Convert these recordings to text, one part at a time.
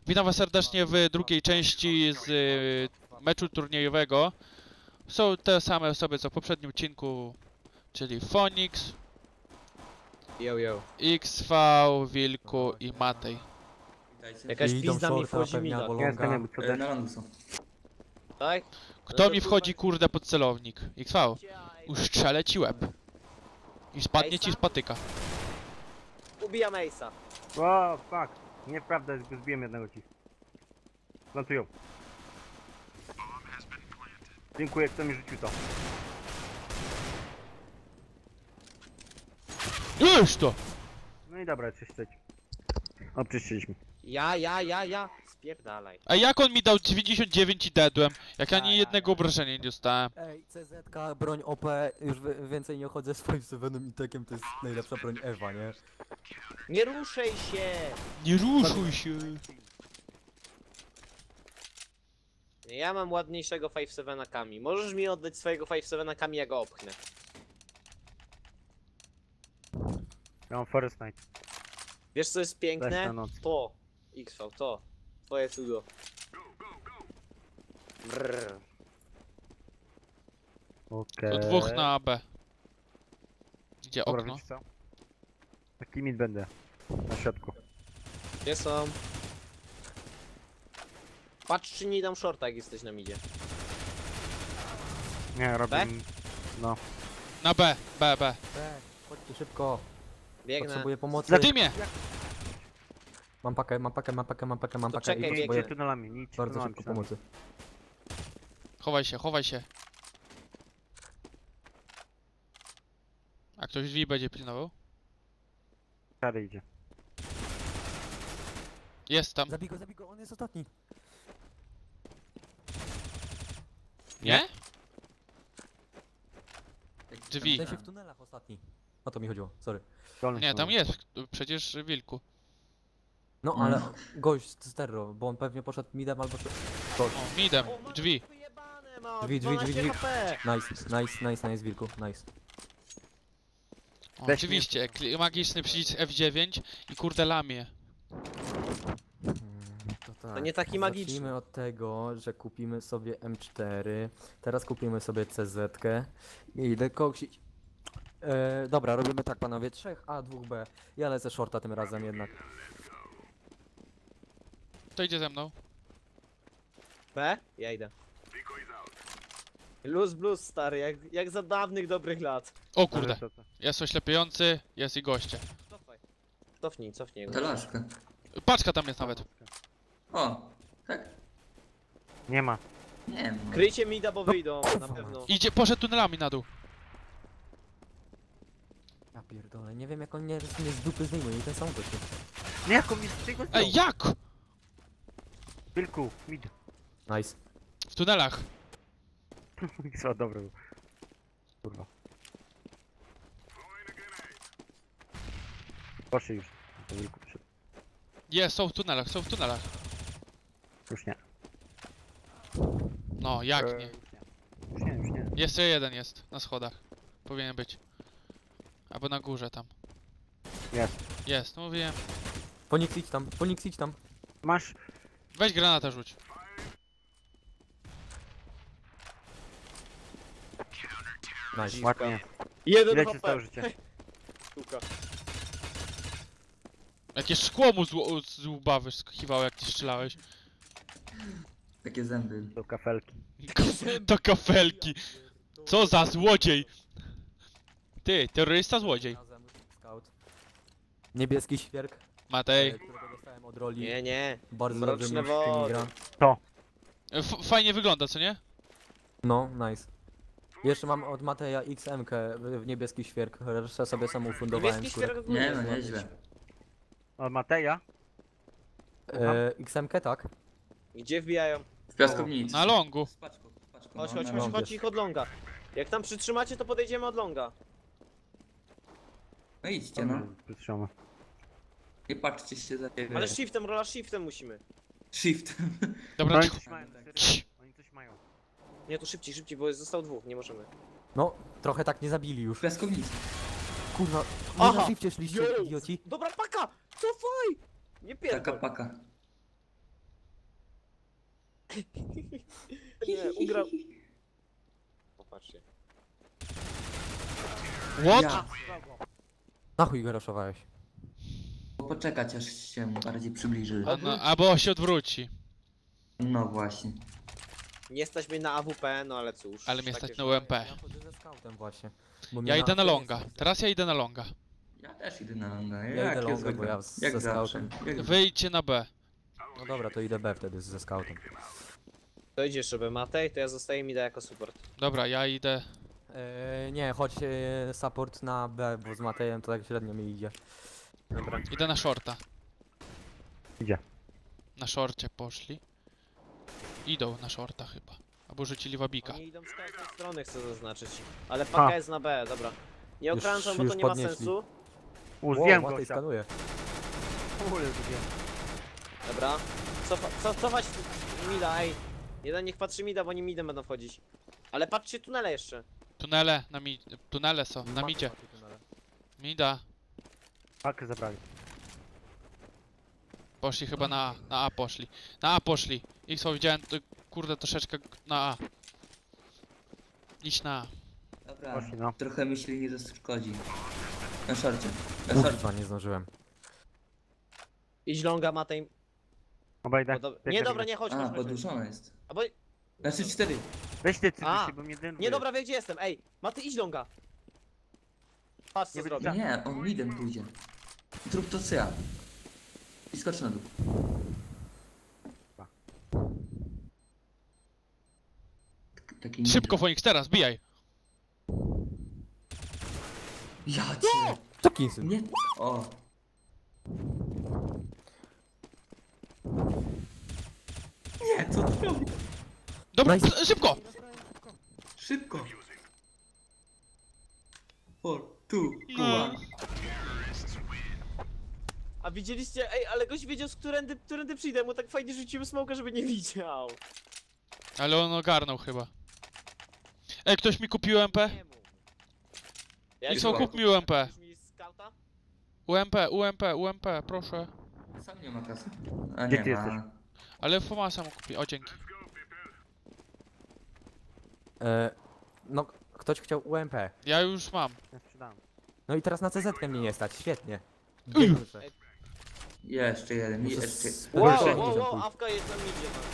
Witam was serdecznie w drugiej części z meczu turniejowego. Są te same osoby co w poprzednim odcinku, czyli Phoenix, XV, Wilku i Matej. Jakaś I idą pizda mi shorta, wchodzi pewnie mi albo da. longa. Na lądu są. Tak? Kto No to mi wchodzi kurde pod celownik? XV, ustrzelę ci łeb. I spadnie ci z patyka. Ubijam Ace'a. O, fuck. Nieprawda, że go zbiłem jednego ci. Plantują. Dziękuję, kto mi rzucił to. Już to! No i dobra, czyścić. O, czyściliśmy. Ja. Spierdalaj. A jak on mi dał 99 i dedłem? Jak ani jednego obrażenia nie dostałem. Ej, CZ, broń OP, już więcej nie chodzę z 5-7 i tekiem, to jest najlepsza broń Ewa, nie? Nie ruszaj się! Nie ruszuj się! Ja mam ładniejszego 5-7 Kami. Możesz mi oddać swojego 5-7 Kami, ja go opchnę. Ja mam Forest Night. Wiesz co jest Weź piękne? na noc. To. XV, to. Twoje cudo. Brrr. Okej. To dwóch na AB. Gdzie Dobra, okno? wiecie co? Taki mit będę. Na środku. Gdzie są? Patrz czy nie dam shorta jak jesteś na midzie. Nie, robię... No. Na B, B. Chodźcie szybko, Biegnę. potrzebuję pomocy. Za dymie! Mam pakę, czekaj, i biegnę. Nie potrzebuję idźcie tunelami, nie idźcie bardzo tunelami. szybko pomocy. Chowaj się. A ktoś drzwi będzie pilnował? Szary idzie. Jest tam. Zabij go, on jest ostatni. Nie? W Drzwi. sensie w tunelach ostatni. O to mi chodziło, sorry. Dolny Nie, tam tunel. jest. Przecież Wilku. No ale gość z Terro, bo on pewnie poszedł midem albo... O, midem. O, masz Drzwi. wyjebane, mam Drzwi. 12 HP. Nice, Wilku, nice. O, Weź oczywiście. Magiczny przycisk F9 i kurde lamie. Tak, To nie taki magiczny. Zacznijmy od tego, że kupimy sobie M4, teraz kupimy sobie CZ-kę i idę koksić. Dobra, robimy tak panowie, 3A, 2B. Ja lecę shorta tym razem jednak. To idzie ze mną. B? Ja idę. Luz blues stary, jak za dawnych dobrych lat. O kurde. Ale to- Jest oślepiający, jest i goście. Cofnij go. Ta laszka. Paczka tam jest nawet. O, tak? Nie ma. Nie wiem. Kryjcie mida, bo wyjdą, na pewno. Poszedł tunelami na dół. Ja pierdolę, nie wiem jak on mnie z dupy zdejmuje i ten sam gościu. Nie, jak on mi z tego Ej, jak? Wilku, mid. Nice. W tunelach. Co, dobra. Kurwa. Poszli już. To Wilku przyszedł. Jest, są w tunelach. Już nie. No, jak nie? Już nie. Jeszcze jeden jest, na schodach. Powinien być. Albo na górze tam. Jest. Jest, no mówiłem. Phoenix idź tam. Masz... Weź granatę rzuć. Nice. Ładnie. Jeden Ile ci HP. stało życie? Sztuka. Jakie szkło mu z łba wyskiwało jak ty strzelałeś. Takie zęby. Do kafelki. To kafelki. Co za złodziej. Ty, terrorysta złodziej. Razem, Scout. Niebieski świerk, Matej. którego dostałem od roli. Nie. Bardzo Mroczne dobrze mi wody. gra. Fajnie wygląda, co nie? No, nice. Jeszcze mam od Mateja XM-kę w niebieski świerk, resztę sobie sam ufundowałem. Niebieski skórę. świerk Nie, no nieźle. Od Mateja? XM-kę tak. Gdzie wbijają? W piaskownicy. Na longu. Z paczką, Chodź, no, na chodź ich od longa. Jak tam przytrzymacie, to podejdziemy od longa. No idźcie, no. Przytrzymamy. I patrzcie się za ciebie. Ale shiftem, rola shiftem musimy. Shift. Dobra, Oni cicho. coś mają, serio. Cii. Oni coś mają. Nie, to szybciej, bo został dwóch, nie możemy. No, trochę tak nie zabili W już. piaskownicy. Kurwa, nie Aha! na shifcie szliście, Yo! idioci. Dobra, paka! Cofaj! Nie Taka pierdol. paka. Nie, ugrał. Popatrzcie. What? Ja. Na chuj go raszowałeś. Poczekać aż się bardziej przybliży. Albo się odwróci. No właśnie. Nie stać mnie na AWP, no ale cóż. Ale mnie takie stać na rzeczy. UMP. Ja chodzę ze scoutem właśnie. Bo mnie Ja idę na AFK longa. nie stać. Teraz ja idę na longa. Ja też idę na longa. Ja idę longa, bo ja jak ze zawsze. scoutem. Jak Wyjdźcie na B. No dobra, to idę B wtedy ze scoutem. To idziesz sobie Matej, to ja zostaję mi da jako support. Dobra, ja idę. Nie, chodź support na B, bo z Matejem to tak średnio mi idzie. Dobra. Idę na shorta. Idzie. Na shorcie poszli. Idą na shorta chyba. Albo rzucili wabika. Oni idą z każdej strony, chcę zaznaczyć. Ale paka A. jest na B, dobra. Nie Już- okrążam, bo to już nie ma podnieśli. sensu. Zjem Matej gościa. skanuje. Kurde, zjem. Dobra. Cofać mida, ej. Jeden niech patrzy mida, bo oni midem będą wchodzić. Ale patrzcie tunele jeszcze. Tunele, tunele są, na midzie. Mida. Pakę zabrali. Poszli chyba na A. Na A poszli. Na A poszli. Ich co widziałem, to, kurde, troszeczkę na A. Idź na A. Dobra, Poszli, no. trochę myśli nie zaszkodzi. Na szorcie. Na szorcie. Kurwa, nie zdążyłem. Idź longa Matej. Obejdę. Nie dobra, nie chodź, A, chodź, chodź. podłużona jest. Albo... Znaczy 4. Weź ty A. cytusie, bo mnie denerwuje. Nie dobra, wie gdzie jestem, ej. Matej, idź longa. Patrz co Nie zrobię. będzie- Nie, on midem pójdzie. Zrób to co ja. I skocz na dół. Taki Szybko Phoenix, teraz, bijaj. Ja cię. Co kinsy? Nie. O. Nie, co ty robisz? Dobra, Nice. szybko! Szybko. 4, 2, No. 1. A widzieliście, ej, ale gość wiedział z którędy przyjdę, mu tak fajnie rzuciłem smoka, żeby nie widział. Ale on ogarnął chyba. Ej, ktoś mi kupił UMP? Nie mów. I już co, mam. kup mi UMP. Kupisz mi skauta? UMP, proszę. Sam nie ma kasy. A Gdzie nie ty ma. jesteś? Ale Fomasa mu kupi, o dzięki. No, ktoś chciał UMP. Ja już mam. Ja sprzedałem. No i teraz na CZ mnie nie stać, świetnie. Geniusze. Jeszcze jeden, Muszę jeszcze. z- Wow, Proszę. wow, Awka jest na midzie. No.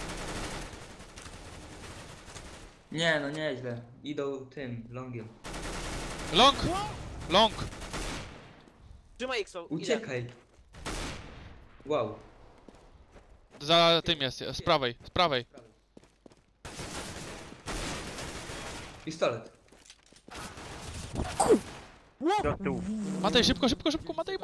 Nie, no nieźle. Idą tym, longiem. Long! Long! Trzymaj X-o, idę. Uciekaj. Wow. Za tym jest, z prawej, z prawej. Pistolet. Do tyłu. Matej, szybko, Matej.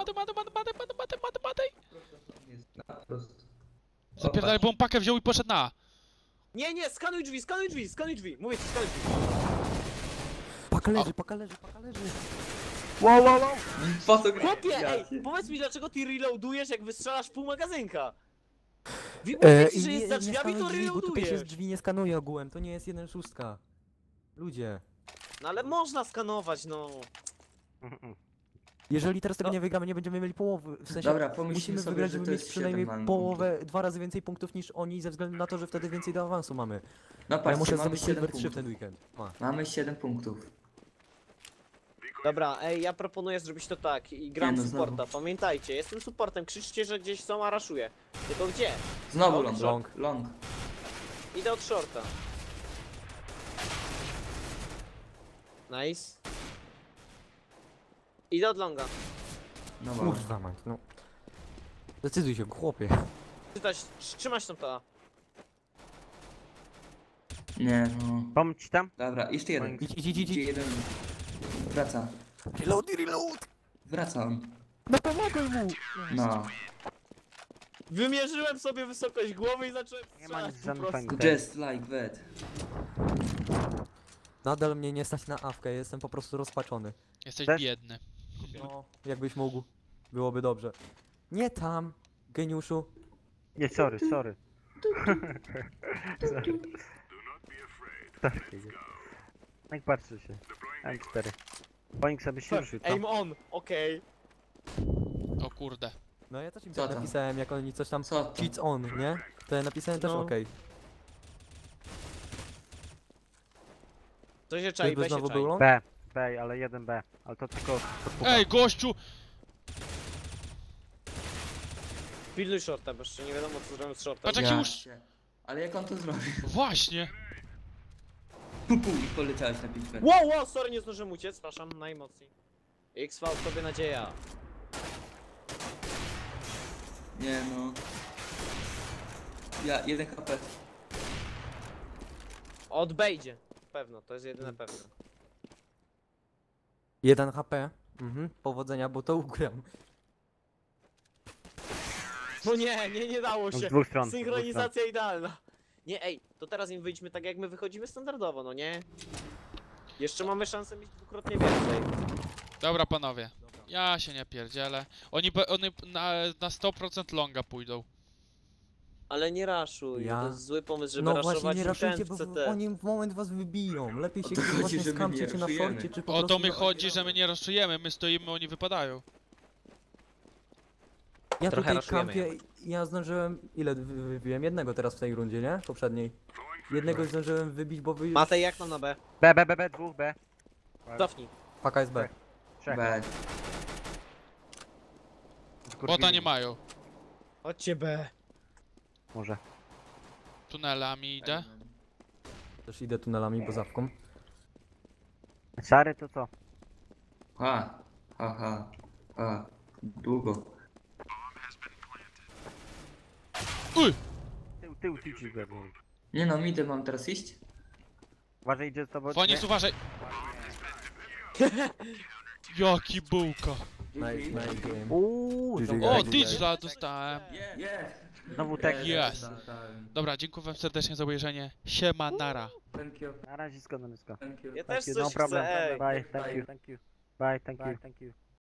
Jest na prosto. Zapierdalaj, bo on pakę wziął i poszedł na A. Nie, skanuj drzwi. Mówię ci, skanuj drzwi. Paka leży. Wow, wow, wow! Po co gra? Chłopie, Ja ej, cię- powiedz mi dlaczego ty reloadujesz jak wystrzelasz pół magazynka? Mówię ci, i że jest za drzwiami, skanuj to drzwi, bo tutaj się z reloadujesz. drzwi nie skanuje ogółem, to nie jest 1.6. Ludzie. No ale można skanować, no. Jeżeli teraz tego No. nie wygramy, nie będziemy mieli połowy. W sensie Dobra, pomyślmy musimy sobie, wygrać, że żeby to mieć jest przynajmniej 7 połowę, 2 razy więcej punktów niż oni, ze względu na to, że wtedy więcej do awansu mamy. No Ja patrzcie, muszę mamy zrobić 7 Silver 3 w punktów. ten weekend. Mamy 7 punktów. Dobra, ej, ja proponuję zrobić to tak i gram Nie no, supporta. znowu. Pamiętajcie, jestem supportem, krzyczcie, że gdzieś są, a raszuję. Tylko gdzie? Znowu Long, long. long. Long. Idę od shorta. Nice. Idę od longa. No wow. Kurwa mać, no. Decyduj się, chłopie. Trzymać tą to. Nie no. Pomóc ci tam? Dobra, jeszcze jeden. Idź. Idzie jeden. Wraca. Reload! Wraca on. No pomagaj mu! No. Wymierzyłem sobie wysokość głowy i zacząłem Nie ma nic strzelać po żadnych prostu. fajnych. Just like that. Nadal mnie nie stać na awkę, jestem po prostu rozpaczony. Jesteś Też? biedny. No, jakbyś mógł. Byłoby dobrze. Nie tam, geniuszu. Nie, sorry. Sorry. No i patrzy się. M4. Ponik sobie się ruszył, co? Aim on, okej. O kurde. No ja też im Co tak tam? napisałem, jak oni coś tam Co to? cheats on, nie? To ja napisałem też No. okej. To się czai, Czyżby B się znowu czai. był long? B, ale jeden B. Ale to tylko podpuka. Ej, gościu! Pilnuj shorta, bo jeszcze nie wiadomo co zrobią z shorta. Patrz, jaki już... się. Ale jak on to zrobił? Właśnie! Pupu i poleciałeś na 5 metrów. Wow, sorry, nie zdążyłem uciec, przepraszam, najmocniej. XV, tobie nadzieja. Nie no. Ja, 1 HP. Od B idzie. Pewno, to jest jedyne pewne. 1 HP. Powodzenia, bo to ugram. No nie dało Z się. dwóch stron. Synchronizacja idealna. Nie, ej, to teraz im wyjdźmy tak jak my wychodzimy standardowo, no nie? Jeszcze mamy szansę mieć dwukrotnie więcej. Dobra, panowie. Ja się nie pierdzielę. Oni na 100% longa pójdą. Ale nie raszuj, Ja- to jest zły pomysł, żeby No właśnie raszować nie im raszujcie, ten bo w CT. oni w moment was wybiją. Lepiej się to chodzi, właśnie że my skamcie, nie czy na raszujemy. forcie, czy po O prostu... to mi chodzi, że my nie raszujemy, my stoimy, oni wypadają. Ja Trochę tutaj raszujemy kampię, ja zdążyłem... Ile wybiłem? Jednego teraz w tej rundzie, nie? Poprzedniej. Jednego zdążyłem wybić, bo wy... Matej, jak tam na B? B, dwóch B. Cofnij. Paka jest B. Trzech. B. Bota nie mają. Chodźcie B. Może. Tunelami idę. Też idę tunelami, bo zawką. Szary to co? Ha. Długo. Uj! Tył ci go. Nie no, midę mam teraz iść? Uważaj, idzie z tobą. Fonix, uważaj! Jaki bułka! Nice game. Uuu, GG. O, Tak, Digla dostałem. znowu tak. Yes. Dobra, dziękuję wam serdecznie za obejrzenie. Siema, nara. Thank you. Na razie, nisko. Thank you. Ja też Thank you, coś no problem. chcę, ej. Bye, thank you. Bye, thank you.